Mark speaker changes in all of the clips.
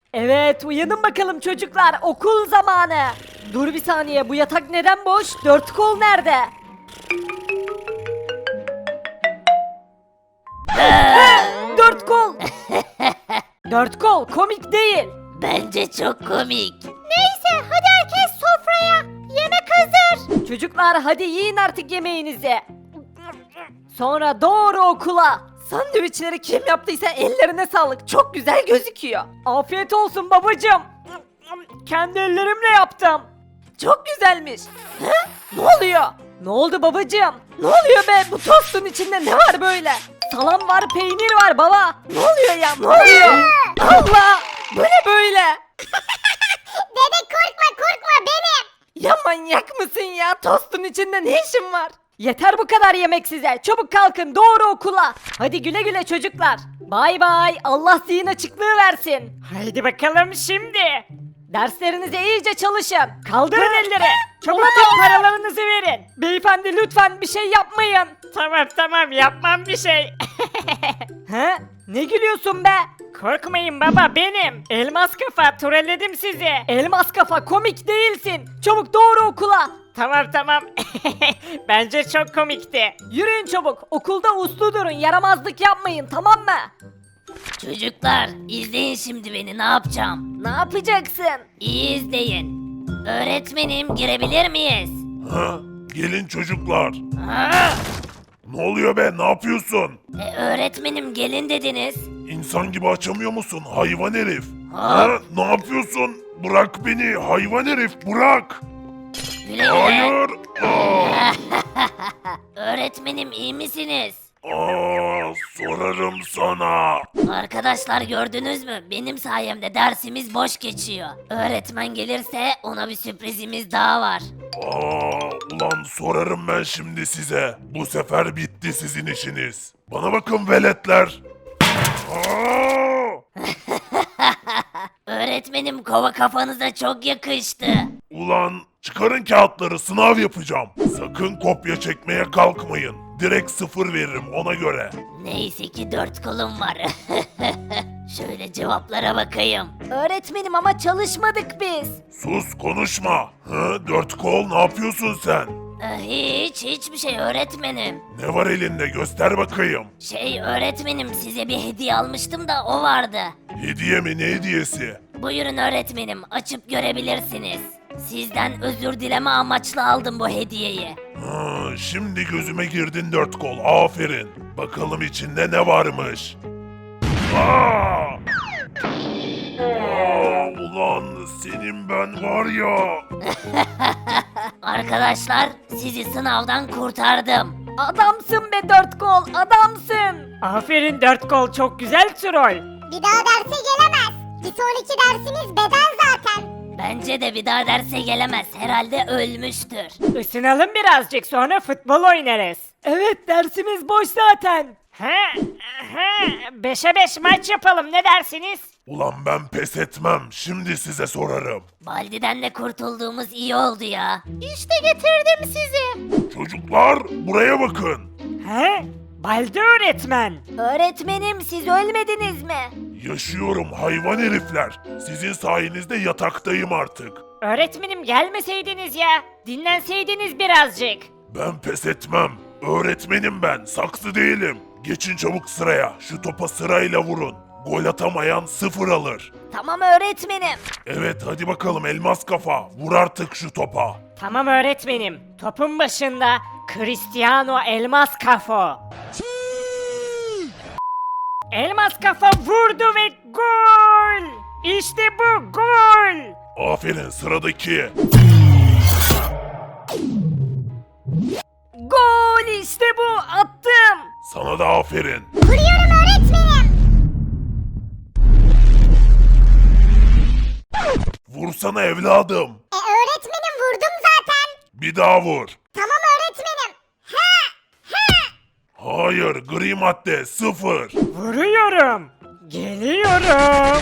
Speaker 1: Evet, uyanın bakalım çocuklar, okul zamanı. Dur bir saniye, bu yatak neden boş? Dört kol nerede? Dört kol. Dört kol komik değil.
Speaker 2: Bence çok komik.
Speaker 3: Neyse hadi herkes sofraya. Yemek hazır.
Speaker 1: Çocuklar hadi yiyin artık yemeğinizi. Sonra doğru okula. Sandviçleri kim yaptıysa ellerine sağlık. Çok güzel gözüküyor. Afiyet olsun babacığım. Kendi ellerimle yaptım. Çok güzelmiş. He? Ne oluyor? Ne oldu babacığım? Ne oluyor be? Bu tostun içinde ne var böyle? Salam var, peynir var baba. Ne oluyor ya? Ne oluyor? Allah! Bu ne böyle?
Speaker 3: Bebek korkma benim.
Speaker 1: Ya manyak mısın ya? Tostun içinde ne işin var? Yeter bu kadar yemek size. Çabuk kalkın doğru okula. Hadi güle güle çocuklar. Bay bay. Allah zihin açıklığı versin. Haydi bakalım şimdi. Derslerinize iyice çalışın. Kaldırın elleri. Çabuk tüm paralarınızı verin. Beyefendi lütfen bir şey yapmayın. Tamam yapmam bir şey. He? Ne gülüyorsun be? Korkmayın baba benim. Elmas kafa trolledim sizi. Elmas kafa komik değilsin. Çabuk doğru okula. Tamam. Bence çok komikti. Yürüyün çabuk. Okulda uslu durun. Yaramazlık yapmayın tamam mı?
Speaker 2: Çocuklar izleyin şimdi beni ne yapacağım.
Speaker 1: Ne yapacaksın?
Speaker 2: İyi izleyin. Öğretmenim girebilir miyiz?
Speaker 4: Ha? Gelin çocuklar.
Speaker 2: Ha?
Speaker 4: Ne oluyor be? Ne yapıyorsun?
Speaker 2: Öğretmenim gelin dediniz.
Speaker 4: İnsan gibi açamıyor musun hayvan herif?
Speaker 2: Ha?
Speaker 4: Ha? Ne yapıyorsun? Bırak beni hayvan herif bırak.
Speaker 2: Güle güle.
Speaker 4: Hayır.
Speaker 2: Öğretmenim iyi misiniz?
Speaker 4: Sorarım sana.
Speaker 2: Arkadaşlar gördünüz mü? Benim sayemde dersimiz boş geçiyor. Öğretmen gelirse ona bir sürprizimiz daha var.
Speaker 4: Ulan sorarım ben şimdi size. Bu sefer bitti sizin işiniz. Bana bakın veletler. Aa!
Speaker 2: Öğretmenim kova kafanıza çok yakıştı.
Speaker 4: Ulan çıkarın kağıtları sınav yapacağım. Sakın kopya çekmeye kalkmayın. Direkt 0 veririm ona göre.
Speaker 2: Neyse ki 4 kolum var. Şöyle cevaplara bakayım.
Speaker 1: Öğretmenim ama çalışmadık biz.
Speaker 4: Sus konuşma. 4 kol ne yapıyorsun sen?
Speaker 2: Hiçbir şey öğretmenim.
Speaker 4: Ne var elinde göster bakayım.
Speaker 2: Öğretmenim size bir hediye almıştım da o vardı.
Speaker 4: Hediye mi ne hediyesi?
Speaker 2: Buyurun öğretmenim açıp görebilirsiniz. Sizden özür dileme amaçlı aldım bu hediyeyi.
Speaker 4: Şimdi gözüme girdin 4 kol aferin. Bakalım içinde ne varmış. Ulan senin ben var ya.
Speaker 2: Arkadaşlar sizi sınavdan kurtardım.
Speaker 1: Adamsın be dört kol adamsın. Aferin dört kol çok güzel troll.
Speaker 3: Bir daha derse gelemez. Bir sonraki dersimiz beden zaten.
Speaker 2: Bence de bir daha derse gelemez. Herhalde ölmüştür.
Speaker 1: Isınalım birazcık sonra futbol oynarız. Evet dersimiz boş zaten. He, 5'e 5 maç yapalım ne dersiniz?
Speaker 4: Ulan ben pes etmem. Şimdi size sorarım.
Speaker 2: Baldi'den de kurtulduğumuz iyi oldu ya.
Speaker 3: İşte getirdim sizi.
Speaker 4: Çocuklar buraya bakın.
Speaker 1: He? Baldi öğretmen.
Speaker 3: Öğretmenim siz ölmediniz mi?
Speaker 4: Yaşıyorum hayvan herifler. Sizin sayenizde yataktayım artık.
Speaker 1: Öğretmenim gelmeseydiniz ya. Dinlenseydiniz birazcık.
Speaker 4: Ben pes etmem. Öğretmenim ben, saksı değilim. Geçin çabuk sıraya. Şu topa sırayla vurun. Gol atamayan 0 alır.
Speaker 3: Tamam öğretmenim.
Speaker 4: Evet hadi bakalım elmas kafa. Vur artık şu topa.
Speaker 1: Tamam öğretmenim. Topun başında Cristiano Elmas Kafo. Elmas Kafa vurdu ve gol! İşte bu gol!
Speaker 4: Aferin sıradaki.
Speaker 1: Gol işte bu attım.
Speaker 4: Sana da aferin.
Speaker 3: Vuruyorum öğretmenim.
Speaker 4: Vursana evladım.
Speaker 3: Öğretmenim vurdum zaten.
Speaker 4: Bir daha vur.
Speaker 3: Tamam öğretmenim.
Speaker 4: Hayır gri madde 0.
Speaker 1: Vuruyorum. Geliyorum.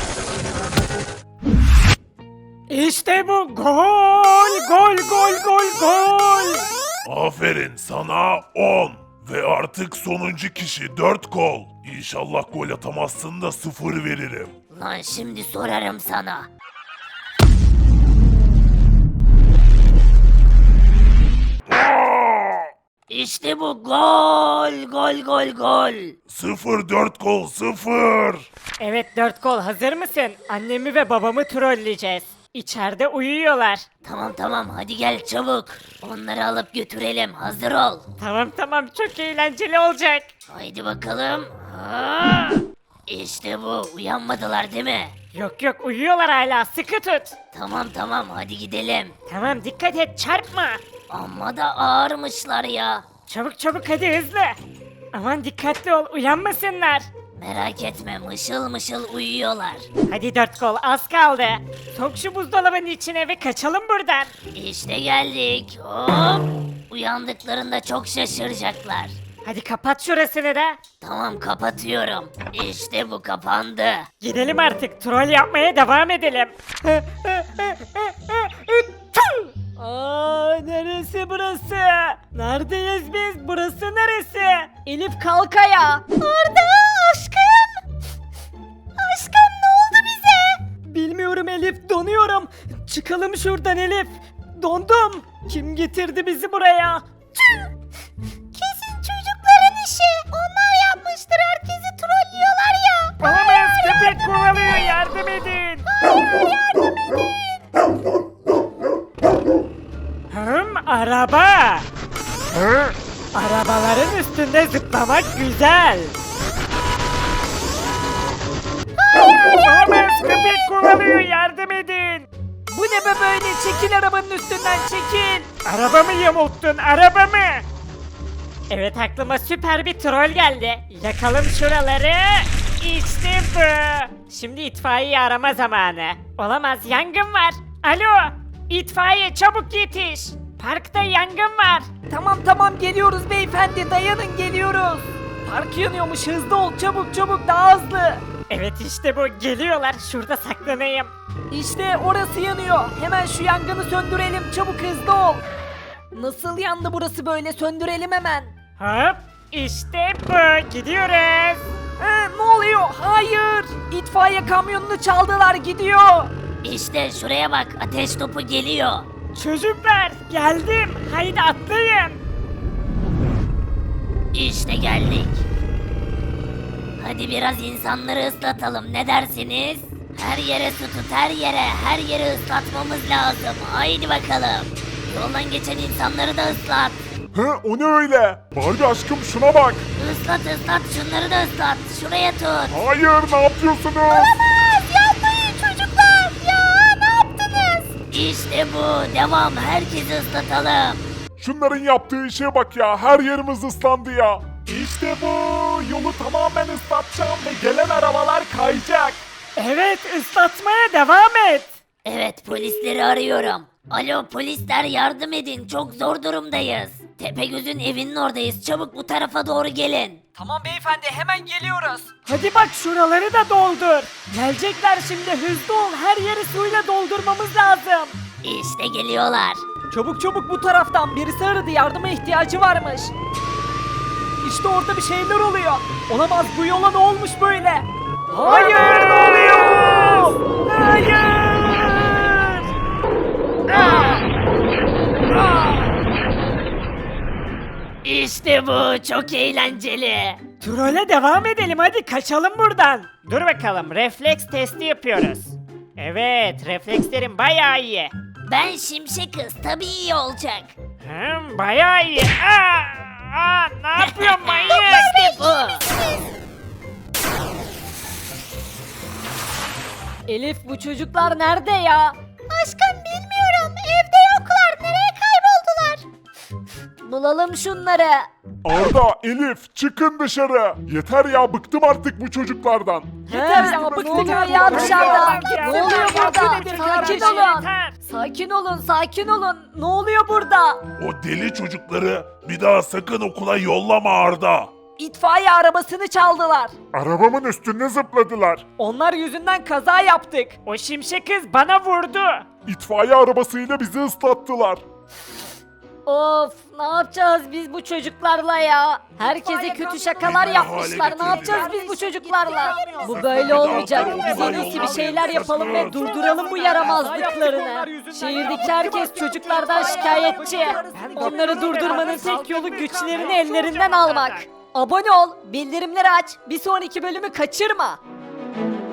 Speaker 1: İşte bu gol! Gol!
Speaker 4: Aferin sana 10. Ve artık sonuncu kişi 4 kol. İnşallah gol atamazsın da 0 veririm.
Speaker 2: Lan şimdi sorarım sana. İşte bu gol gol gol gol.
Speaker 4: 0-4 gol 0.
Speaker 1: Evet 4 gol, hazır mısın? Annemi ve babamı trolleyeceğiz. İçeride uyuyorlar.
Speaker 2: Tamam hadi gel çabuk. Onları alıp götürelim, hazır ol.
Speaker 1: Tamam çok eğlenceli olacak.
Speaker 2: Haydi bakalım. Ha! İşte bu, uyanmadılar değil mi?
Speaker 1: Yok uyuyorlar hala, sıkı tut.
Speaker 2: Tamam hadi gidelim.
Speaker 1: Tamam dikkat et, çarpma.
Speaker 2: Amma da ağırmışlar ya.
Speaker 1: Çabuk hadi, hızlı. Aman dikkatli ol, uyanmasınlar.
Speaker 2: Merak etme, mışıl mışıl uyuyorlar.
Speaker 1: Hadi 4 gol, az kaldı. Sok şu buzdolabının içine ve kaçalım buradan.
Speaker 2: İşte geldik. Hop! Uyandıklarında çok şaşıracaklar.
Speaker 1: Hadi kapat şurasını da.
Speaker 2: Tamam kapatıyorum. İşte bu kapandı.
Speaker 1: Gidelim artık, troll yapmaya devam edelim. Aa, neresi burası? Neredeyiz biz? Burası neresi? Elif kalk ayağa. Arda aşkım. Aşkım ne oldu bize? Bilmiyorum Elif, donuyorum. Çıkalım şuradan Elif. Dondum. Kim getirdi bizi buraya?
Speaker 3: Kesin çocukların işi. Onlar yapmıştır, herkesi trollüyorlar ya.
Speaker 1: Olamaz, köpek kovalıyor, yardım edin. Araba. Arabaların üstünde zıplamak güzel. Olamaz, köpek kovalıyor, yardım edin. Bu ne be böyle, çekil arabanın üstünden, çekil. Arabamı yamulttun, arabamı. Evet, aklıma süper bir troll geldi. Yakalım şuraları. İşte bu. Şimdi itfaiye arama zamanı. Olamaz, yangın var. Alo, itfaiye çabuk yetiş. Parkta yangın var. Tamam geliyoruz beyefendi, dayanın, geliyoruz. Park yanıyormuş, hızlı ol, çabuk daha hızlı. Evet işte bu, geliyorlar, şurada saklanayım. İşte orası yanıyor, hemen şu yangını söndürelim, çabuk hızlı ol. Nasıl yandı burası böyle, söndürelim hemen. Hop, işte bu, gidiyoruz. Ne oluyor? Hayır, itfaiye kamyonunu çaldılar, gidiyor.
Speaker 2: İşte şuraya bak, ateş topu geliyor.
Speaker 1: Çocuklar, geldim, haydi atlayın.
Speaker 2: İşte geldik. Hadi biraz insanları ıslatalım, ne dersiniz? Her yere su tut, her yeri ıslatmamız lazım. Haydi bakalım. Yoldan geçen insanları da ıslat.
Speaker 5: O ne öyle? Barbie aşkım şuna bak.
Speaker 2: Islat şunları da ıslat. Şuraya tut.
Speaker 5: Hayır ne yapıyorsunuz?
Speaker 3: Yapmayın çocuklar. Ya ne yaptınız?
Speaker 2: İşte bu, devam, herkesi ıslatalım.
Speaker 5: Şunların yaptığı işe bak ya. Her yerimiz ıslandı ya. İşte bu. Yolu tamamen ıslatacağım ve gelen arabalar kayacak.
Speaker 1: Evet, ıslatmaya devam et.
Speaker 2: Evet, polisleri arıyorum. Alo polisler, yardım edin, çok zor durumdayız. Tepegöz'ün evinin oradayız, çabuk bu tarafa doğru gelin.
Speaker 1: Tamam beyefendi, hemen geliyoruz. Hadi bak, şuraları da doldur. Gelecekler şimdi, hızlı ol, her yeri suyla doldurmamız lazım.
Speaker 2: İşte geliyorlar.
Speaker 1: Çabuk bu taraftan, birisi aradı, yardıma ihtiyacı varmış. İşte orada bir şeyler oluyor. Olamaz, bu yola ne olmuş böyle? Hayır, ne oluyor? Hayır!
Speaker 2: İşte bu, çok eğlenceli.
Speaker 1: Trole devam edelim, hadi kaçalım buradan. Dur bakalım, refleks testi yapıyoruz. Evet, reflekslerim bayağı iyi.
Speaker 2: Ben Şimşek Kız, tabii iyi olacak.
Speaker 1: Bayağı iyi. Ne yapıyorsun manyak?
Speaker 2: İşte bu.
Speaker 1: Elif, bu çocuklar nerede ya?
Speaker 3: Aşkım bilmiyorum. Evde yoklar. Nereye kayboldular?
Speaker 1: Bulalım şunları.
Speaker 5: Arda, Elif çıkın dışarı. Yeter ya, bıktım artık bu çocuklardan.
Speaker 1: Yeter ya, bıktık ya dışarıda. Ne oluyor burada? Sakin olun. Ne oluyor burada?
Speaker 4: O deli çocukları bir daha sakın okula yollama Arda.
Speaker 1: İtfaiye arabasını çaldılar.
Speaker 5: Arabamın üstüne zıpladılar.
Speaker 1: Onlar yüzünden kaza yaptık. O şimşek kız bana vurdu.
Speaker 5: İtfaiye arabasıyla bizi ıslattılar.
Speaker 1: Of, ne yapacağız biz bu çocuklarla ya? Herkese kötü şakalar yapmışlar. Ne yapacağız biz bu çocuklarla? Bu böyle olmayacak. Biz en iyisi bir şeyler yapalım ve durduralım bu yaramazlıklarını. Şehirdeki herkes çocuklardan şikayetçi. Onları durdurmanın tek yolu güçlerini ellerinden almak. Abone ol, bildirimleri aç, bir sonraki bölümü kaçırma.